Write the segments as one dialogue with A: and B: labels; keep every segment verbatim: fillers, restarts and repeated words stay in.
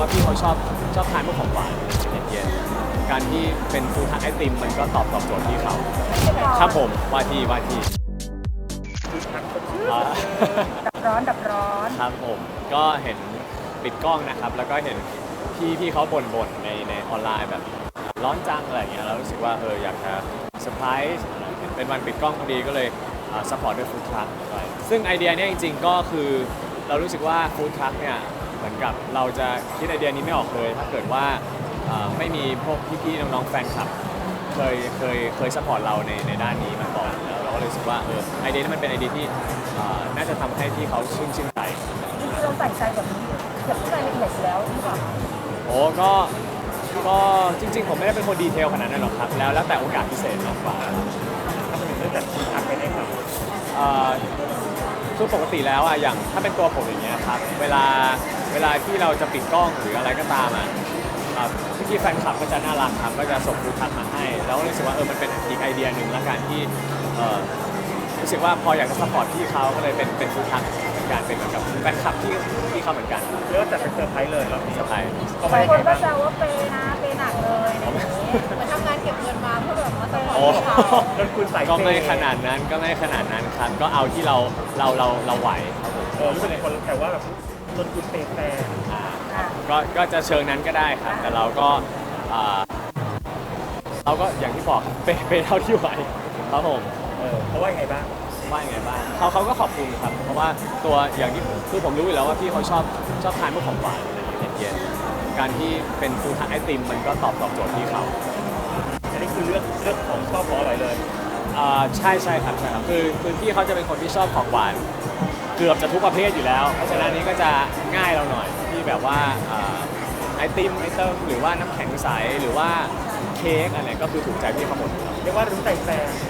A: พี่เขาชอบชอบทานพวกของหวานเย็นๆการที่เป็นฟู้ดทักไอติมมันก็ตอบตอบโจทย์พี่เขาครับผมว่าที่ว่าที่อ่า
B: ดับร้อนดับร้อน
A: ครับผมก็เห็นปิดกล้องนะครับแล้วก็เห็นพี่พี่เขาบ่นๆในในออนไลน์แบบร้อนจังอะไรอย่างเงี้ยเรารู้สึกว่าเอออยากจะเซอร์ไพรส์เป็นวันปิดกล้องพอดีก็เลยซัพพอร์ตด้วยฟู้ดทรัคด้วยซึ่งไอเดียเนี้ยจริงๆก็คือเรารู้สึกว่าฟู้ดทรัคเนี่ยเหมือนกับเราจะคิดไอเดียนี้ไม่ออกเลยถ้าเกิดว่าไม่มีพวกพี่ๆน้องๆแฟนคลับเคยเคยเคยซัพพอร์ตเราในในด้านนี้มาก่อนแล้วเราก็เลยรู้สึกว่าเออไอเดียนี้มันเป็นไอเดียที่น่าจะทำให้พี่เขาชื่นชื่นใจ
B: คือเราใส่ใจแบบนี้เก็บรายละเอียดอยู่แล้วหรือเปล่า
A: โอ้ก็ก็จริงๆผมไม่ได้เป็นคนดีเทลขนาดนั้นหรอกครับแล้วแล้วแต่โอกาสพิเศษมากกว่า
C: ถ้าเป็นเรื่องจัดทีมทักไปได้ครับ
A: คือปกติแล้วอ่ะอย่างถ้าเป็นตัวผมอย่างเงี้ยครับเวลาเวลาที่เราจะปิดกล้องหรืออะไรก็ตามอ่ะพี่แฟนคลับก็จะน่ารักครับก็จะส่งฟู้ดทักมาให้แล้วก็รู้สึกว่าเออมันเป็นอีกไอเดียหนึ่งละกันที่รู้สึกว่าพออยากจะซัพพอร์ตพี่เขาก็เลยเป็นเป็นฟู้ดทักเป็นการเป็นเหมือนกับแฟนคลับที่ที่เขาเหมือนกัน
C: เรียกว่าจัดเป็นเซอร์ไพรส์เลยเรา
A: เซอร์ไพรส์
B: บางคนก็แซวว่าเปย์นะเปย์หนักเลยเหมือนทำงานเก็บเงินมาเพื่อแบบมาซัพพอร์ตเขา
C: จนคุณใส่
A: ก็ไม่ขนาดนั้นก็ไม่ขนาดนั้นครับก็เอาที่เราเราเราเราไหวครับผม
C: เออรู้สึกในคนแต่ว่าแบบจนคุณเปย์แฟน
A: ก็ก็จะเชิงนั้นก็ได้ครับแต่เราก็เราก็อย่างที่บอกเปย์เปย์เท่าที่ไหวครับผม
C: เออเขาว่าไงบ้าง
A: ว่ายังไงบ้างเขาเขาก็ขอบคุณครับเพราะว่าตัวอย่างที่คือผมรู้อยู่แล้วว่าพี่เขาชอบชอบทานพวกของหวานเย็นๆการที่เป็นฟู้ดทักไอติมมันก็ตอบตอบโจทย์พี่เขา
C: อันนี้คือเลือกเลือกของชอบของอร่อยเลย
A: อ่าใช่ใช่ครับใช่ครับคือคือพี่เขาจะเป็นคนที่ชอบของหวานเกือบจะทุกประเภทอยู่แล้วเพราะฉะนั้นนี้ก็จะง่ายเราหน่อยที่แบบว่าไอติมไอเติมหรือว่าน้ำแข็งใสหรือว่าเค้กอะไรก็คือถูกใจพี่เขาหมด
C: เรียกว่ารู้ใจแฟน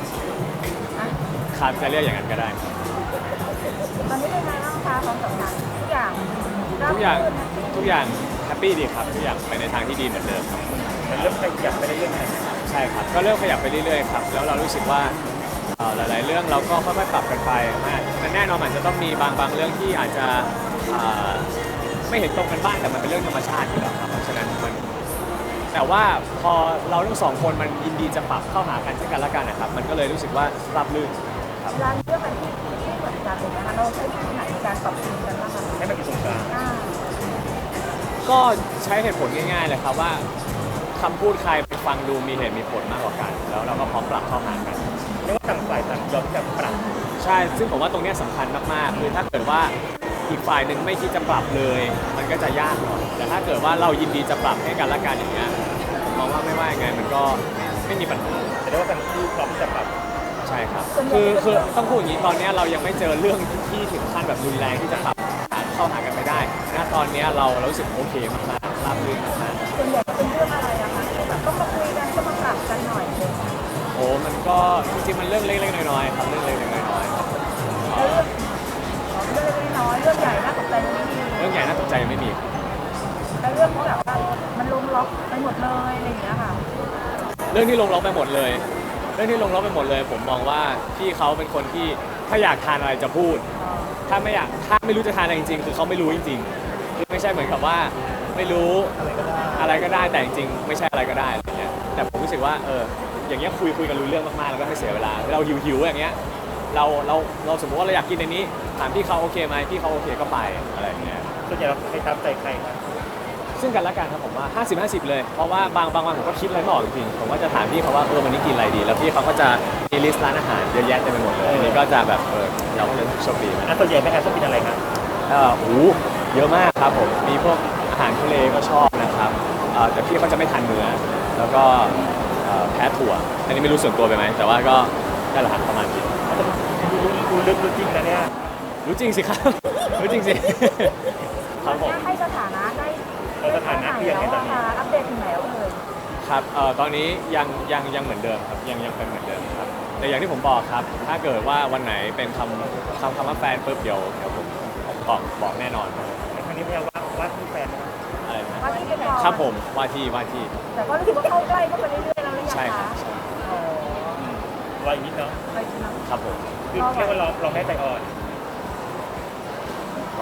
A: ครับจะเรียกอย่างนั้นก็ได้
B: ตอนนี้เป็นไงบ้างคะความสัมพันธ์ทุกอย่าง
A: ทุกอย่างทุกอย่างแฮปปี้ดีครับทุกอย่างไปในทางที่ดีเหมือนเดิมครับ
C: มันเริ่มขยับไปเรื่อย
A: ๆใช่ครับก็เริ่มขยับไปเรื่อยๆครับแล้วเรารู้สึกว่าหลายๆเรื่องเราก็ค่อยๆปรับกันไปมันแน่นอนมันจะต้องมีบางบางเรื่องที่อาจจะไม่เห็นตรงกันบ้างแต่มันเป็นเรื่องธรรมชาติอยู่แล้วครับเพราะฉะนั้นมันแต่ว่าพอเราทั้งสองคนมันยินดีจะปรับเข้าหากันเช่นกันและกันนะครับมันก็เลยรู้สึกว่าราบรื่น
B: ครับเวลาเรื่องมันที่ที่เหมือนกันเลยนะคะเราใช้วิธีไหนในการปรับปรุงกันบ้างคะ
C: ให้มันเป็นตรงกลาง
A: ก็ใช้เหตุผลง่ายๆเลยครับว่าคำพูดใครไปฟังดูมีเหตุมีผลมากกว่ากันแล้วเราก็พร้อมปรับเข้าหากัน
C: เรียกว่าต่างฝ่ายต่างยอมจะปรับ
A: ใช่ซึ่งผมว่าตรงนี้สำคัญมากๆคือถ้าเกิดว่าอีกฝ่ายหนึ่งไม่คิดจะปรับเลยมันก็จะยากหน่อยแต่ถ้าเกิดว่าเรายินดีจะปรับให้กันและกันอย่างเงี้ยมองว่าไม่ว่ายังไงมันก็ไม่มีปัญหา
C: แต่ได้ว่าทั้งคู่พร้อมที่จะปรับ
A: ใช่ครับคือคือต้องพูดอย่างนี้ตอนนี้เรายังไม่เจอเรื่องที่ถึงขั้นแบบรุนแรงที่จะปรับเข้าหากันไม่ได้ณตอนนี้เราเรารู้สึกโอเคมากๆราบรื่นมาก
B: ๆส่วนใหญ่เป็นเรื่องอะไรอะคะแบบต้องมาคุยกันต้องมาปรับกันหน่อยเลย
A: โอ้มันก็จริงๆมันเรื่องเล็กๆน้อยๆครับเรื่องเล็กๆน้อยๆ
B: เรื่องเรื่องเล็กๆน้อยๆเรื่องใหญ่น่าตกใจไม่มี
A: เรื่องใหญ่น่าตกใจไม่มี
B: แล้วเรื่องที่แบบว่ามันลงล็อกไปหมดเลยอะไรอย่างเงี้ยค่ะ
A: เรื่องที่ลงล็อกไปหมดเลยเรื่องที่ลงล็อกไปหมดเลยผมมองว่าพี่เขาเป็นคนที่ถ้าอยากทานอะไรจะพูดถ้าไม่อยากถ้าไม่รู้จะทานอะไรจริงๆคือเขาไม่รู้จริงๆคือไม่ใช่เหมือนกับว่าไม่รู้อะไรก็ได้แต่จริงๆไม่ใช่อะไรก็ได้อะไรเงี้ยแต่ผมรู้สึกว่าเอออย่างเงี้ยคุยคุยกันรู้เรื่องมากๆแล้วก็ไม่เสียเวลาเราหิวๆอย่างเงี้ยเราเราเราสมมติว่าเราอยากกินในนี้ถามพี่เขาโอเคไหมพี่เขาโอเคก็ไปอะไรอย่างเงี้ย
C: ส่วนใหญ่เราให้ตามใจใครครับ
A: ซึ่งกันและกันครับผมว่า ห้าสิบ ห้าสิบ เลยเพราะว่าบางบางวันผมก็คิดอะไรไม่ออกจริงๆผมก็จะถามพี่เขาว่าเออวันนี้กินอะไรดีแล้วพี่เขาก็จะมีลิสต์ร้านอาหารเยอะแยะเต็มไปหมดเลยอันนี้ก็จะแบบเออเราก็เลยโชคดี
C: อ่ะส่วนใหญ่แม่แอฟชอบกินอะไรครับ
A: เออโอ้เยอะมากครับผมมีพวกอาหารทะเลก็ชอบนะครับแต่พี่เขาจะไม่ทานเนื้อแล้วก็แพ้ถั่วอันนี้ไม่รู้ส่วนตัวไปไหมแต่ว่าก็ได้ละหันประมาณนี้
C: รู้ลึกรู้จริงนะเนี่ย
A: รู้จริงสิครับรู้จริงสิ
B: ครับผมให้สถานะได้
C: สถานะที่ยังไงตอนนี้
B: อัปเดตถึงไหนแล้วเลย
A: ครับเอ่อตอนนี้ยังยังยังเหมือนเดิมครับยังยังเป็นเหมือนเดิมครับแต่อย่างที่ผมบอกครับถ้าเกิดว่าวันไหนเป็นคำคำคำว่าแฟนปุ๊บเดี๋ยวเดี๋ยวผมบอกบอกแน่นอน
C: ครั้งนี้ไม่ใช่ว่าว่าที่แฟนนะ
A: อะไรนะ
B: ว่าที่เป็น
A: ครับผมว่าที่ว่าที่
B: แต่ก็รู้สึกว่าเข้าใกล้เข้าไปเรื่อยๆแล้วหรือยังคะ
A: ใช่ครับ
C: รออีกนิดเนาะ
A: ครับผม
C: คือเรียกว่าเราเราแม่ใจอ่อน
A: รอ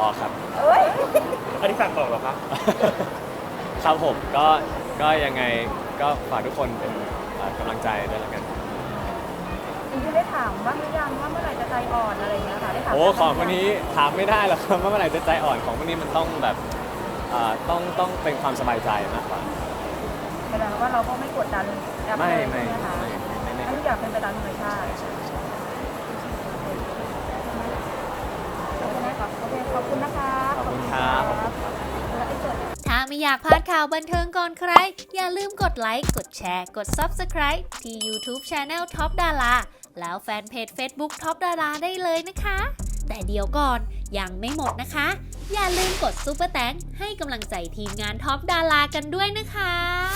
A: อ๋อครับ
B: เอ้ย
C: อันนี้สั่งบอกเหรอครับ
A: ครับผมก็ก็ยังไงก็ฝากทุกคนเป็นเอ่อกำลังใจด้วยแล้วกัน
B: จริงๆได้ถามบ้างหรือยังว่าเมื่อไหร่จะใจอ่อนอะไรอย่างเงี้ยค่ะได้ถาม
A: โอ้ของคนนี้ถามไม่ได้หรอกครับว่าเมื่อไหร่จะใจอ่อนของคนนี้มันต้องแบบเอ่อต้องต้องเป็นความสบายใจมากกว่า
B: แสดงว่าเราก็ไม่กดดันรับ
A: ไม่
B: เลย
A: ไม่
B: ใช่ไหมคะ
A: ไม่ไม่ไม่
B: ให้ทุกอย่างเป็นไปตามธรรมชาติ
A: ใช่ใช่
B: โอเคไหมครับโอเคขอบคุณนะคะ
A: ขอบคุณครับขอบคุณครับ
B: แล้วไอ้เกิด
D: ถ้าไม่อยากพลาดข่าวบันเทิงก่อนใคร อย่าลืมกดไลค์ กดแชร์ กด Subscribe ที่ YouTube Channel Top Dara แล้วแฟนเพจ Facebook Top Dara ได้เลยนะคะ แต่เดี๋ยวก่อนยังไม่หมดนะคะ อย่าลืมกดซุปเปอร์แตงให้กำลังใจทีมงาน Top Dara กันด้วยนะคะ